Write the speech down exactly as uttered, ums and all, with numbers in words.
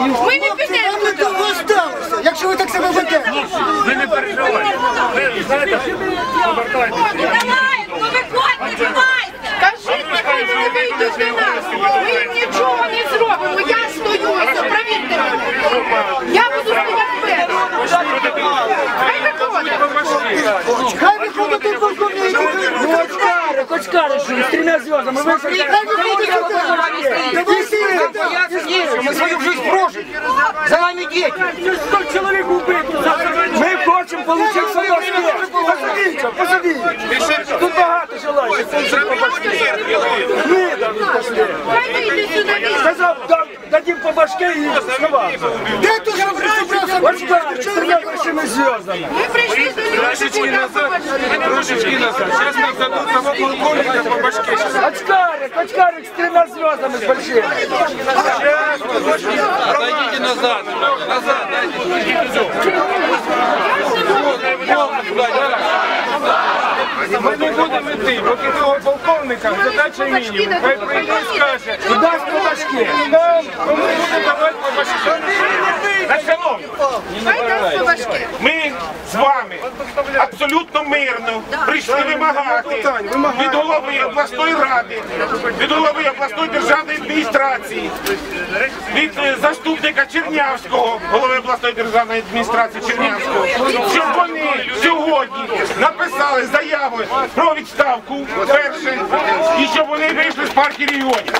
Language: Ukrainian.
Ми не підемо. Ви довго сталося, якщо ви так себе ведете. Ви не переживайте. Ви знаєте, повертайтеся. Давай, ну виходьте, давайте. Кажіть, нехай вони вийдуть до нас. Ми нічого не зробимо. Я стою, ось, провірте мене. Я буду стояти вперед. Хай виходять. Хай виходить тут полковник. Ну, очкары, очкары, что с тремя звездами. Мы Хай виходить сюди. Давайте. Мы свою жизнь прожили. За нами дети. Сто человек убито. Мы хотим получить свое место. Посадите, посадите. Тут богато желающих. Мы дадим пошли. Хай вийде сюди. Сказал, дадим по башке и снова. Де тут розібрався? Очкары, с тремя большими звездами. Ми прийшли до нього. Трошечки назад, трошечки назад. Сейчас нам дадут того полковника по башке. Очкарик, очкарик с тремя звездами с большими. Отойдите назад. Назад, Ми не будемо йти, поки того полковника задача мінімум. Хай прийде і скаже, Дасть по башке. нам кому буде давати по башке. Шановні, Хай дасть по башки. ми з вами абсолютно мирно прийшли вимагати від голови обласної ради, від голови обласної державної адміністрації, від заступника Чернявського, голови обласної державної адміністрації Чернявського, щоб вони сьогодні написали заяву про відставку перше, і щоб вони вийшли з партії регіонів.